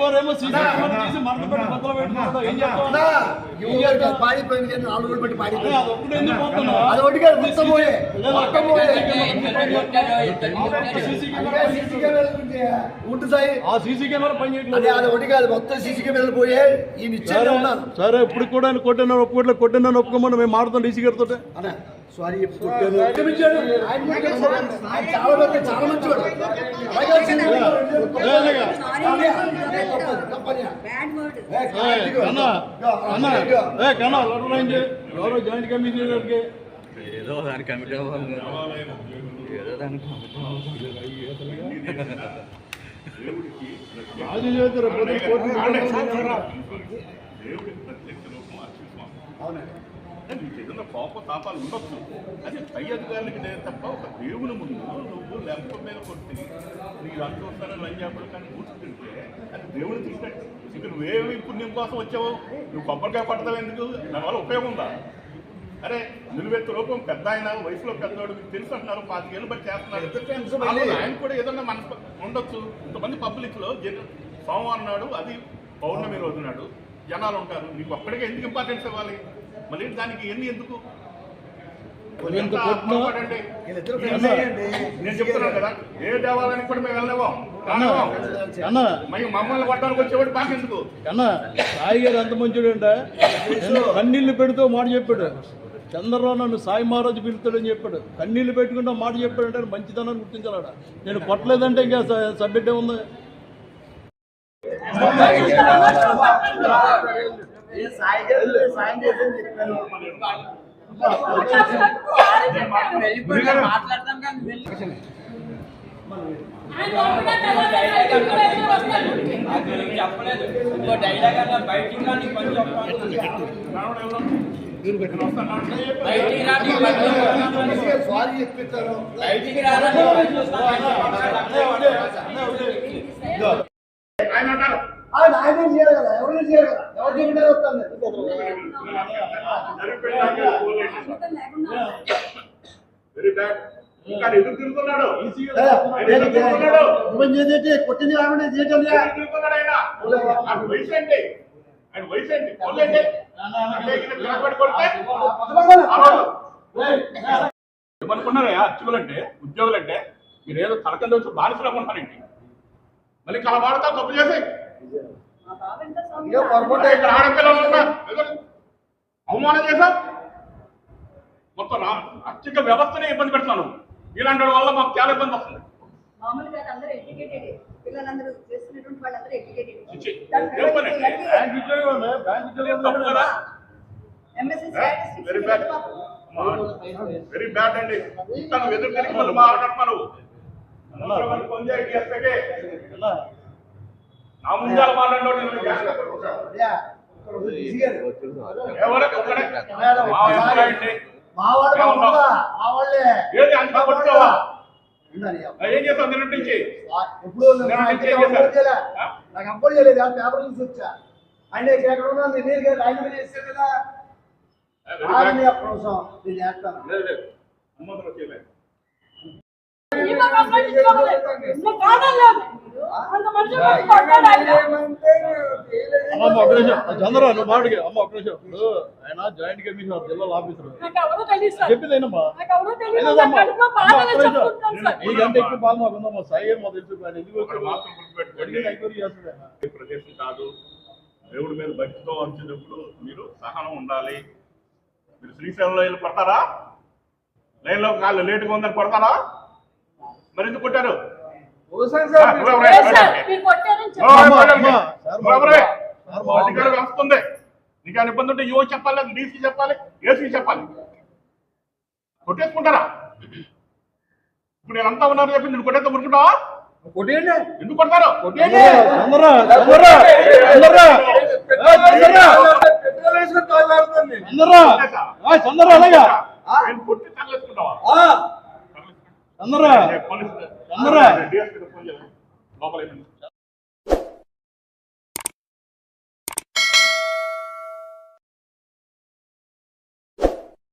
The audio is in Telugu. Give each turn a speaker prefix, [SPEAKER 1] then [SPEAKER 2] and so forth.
[SPEAKER 1] ఇంకోరేమో
[SPEAKER 2] పాడిపోయింది కానీ 4 రోజులు బట్టి పాడిపోయింది అది ఒకటి కాదు మొత్తం పోయే ఉంటుంది సాయి
[SPEAKER 1] సీసీ కెమెరా పని చేయట్లేదు
[SPEAKER 2] అది ఒకటి కాదు మొత్తం సీసీ కెమెరాలు పోయే ఈ నిశ్చయం ఉన్నాను.
[SPEAKER 1] సరే ఇప్పుడు కూడా కొట్టినా ఒప్పుకోమని మేము మారుతాం డీసీ గారితో.
[SPEAKER 2] సారీ చాలా మంచివాడు
[SPEAKER 1] ఎవరో జాయింట్ కమిటీ
[SPEAKER 3] ఏదో దాని కమిటీ ఏదో దాని
[SPEAKER 4] నీకు ఏదైనా కోప తాపాలు ఉండొచ్చు. అది పై అధికారులకి తప్ప ఒక దేవుని ముందు నువ్వు లెంప మీద కొట్టి నీకు అంతోస్తానని లంజాపడు కానీ కూర్చుంటే అది దేవుని తీసినట్టు. ఇక నువ్వేమి పుణ్యం కోసం వచ్చావు, నువ్వు కొబ్బరికాయ పడతావు ఎందుకు, దానివల్ల ఉపయోగం ఉందా? అరే నిలువెత్తు రూపం పెద్ద ఆయన వయసులో పెద్దవాడు మీకు తెలుసు అంటున్నారు, 5 ఏళ్ళు బట్టి చేస్తున్నారు. ఆయన కూడా ఏదన్నా మనసు ఉండొచ్చు. ఇంతమంది పబ్లిక్లో సోమవారం నాడు అది పౌర్ణమి రోజు నాడు జనాలు ఉంటారు. నీకు ఒక్కడికే ఎందుకు ఇంపార్టెన్స్ ఇవ్వాలి? మళ్ళీ దానికి ఎందుకు నేను చెప్తున్నాను కదా, ఏ దేవాలయానికి కూడా మేము వెళ్ళలేమో మమ్మల్ని కొట్టడానికి వచ్చేవాడు మాకెందుకు
[SPEAKER 1] అన్నా. సాయి గారు ఎంత మంచిడు అంటే కన్నీళ్లు పెడుతూ మాట చెప్పాడు. చంద్రరావు నన్ను సాయి మహారాజు పిలుస్తాడని చెప్పాడు. కన్నీళ్లు పెట్టుకుంటూ మాట చెప్పాడంటే మంచిదనాన్ని గుర్తించాలడ. నేను కొట్టలేదంటే ఇంకా సబ్జెక్ట్ ఏముంది?
[SPEAKER 2] ఆయన చేయాలి కదా, ఎవరు చేయాలి కదా, ఎవరు చెప్పినా వస్తాను. కొట్టింది కాకుండా
[SPEAKER 4] ఏమనుకున్నారా అర్చకులంటే ఉద్యోగులంటే మీరు ఏదో తలకంద వచ్చి బానిసలు అనుకుంటారండి. మళ్ళీ కలబాడతా తప్పు చేసి ఆడపిల్లలు అవమానం చేశా. మొత్తం ఆర్థిక వ్యవస్థనే ఇబ్బంది పెడుతున్నాను. ఇలాంటి వల్ల మాకు చాలా ఇబ్బంది వస్తుంది. వెరీ బ్యాడ్ అండి. నువ్వు ఎదురు తిరిగి మళ్ళీ మాట్లాడుతున్నావు. నా ముందాల మాట్లాడినోడు ఏం చేస్తావు నిన్న నుంచి?
[SPEAKER 2] నాకు అప్పుడు చేయలేదు, పేపర్ నుంచి వచ్చా. ఆయన ఎక్కడ ఉన్నా నేను ఆయన మీద చేసాను కదా, అప్పుడు నేను చేస్తాను.
[SPEAKER 1] చంద్ర నువ్వు మాటకి అమ్మ ఒక్క నిమిషం. ఇప్పుడు ఆయన జాయింట్ కమిషనర్ జిల్లా ఆఫీసర్ చెప్పిందేనమ్మా. నీకంటే ఎక్కువ బాధ మాకు ఉందమ్మా. సాయి గారు మాకు తెలుసు. ఎందుకు
[SPEAKER 4] ప్రదేశం కాదు. దేవుడి మీద భక్తితో వచ్చినప్పుడు మీరు సహనం ఉండాలి. మీరు శ్రీశైలంలో వెళ్ళి పడతారా? లైన్లో కాళ్ళు లేటుగా ఉందని పడతారా? మరి ఎందుకు కొట్టారు? వస్తుంది. నీకు అని ఇబ్బంది ఉంటే యువ చెప్పాలి, డీసీ చెప్పాలి, ఏసీ చెప్పాలి. కొట్టేసుకుంటారా? ఇప్పుడు నేను అంతా ఉన్నారు చెప్పి నేను కొట్టేస్తే మురుకుంటావా? ఎందుకు కొడతారు? కొట్టి తగలేసుకుంటావా? లోపల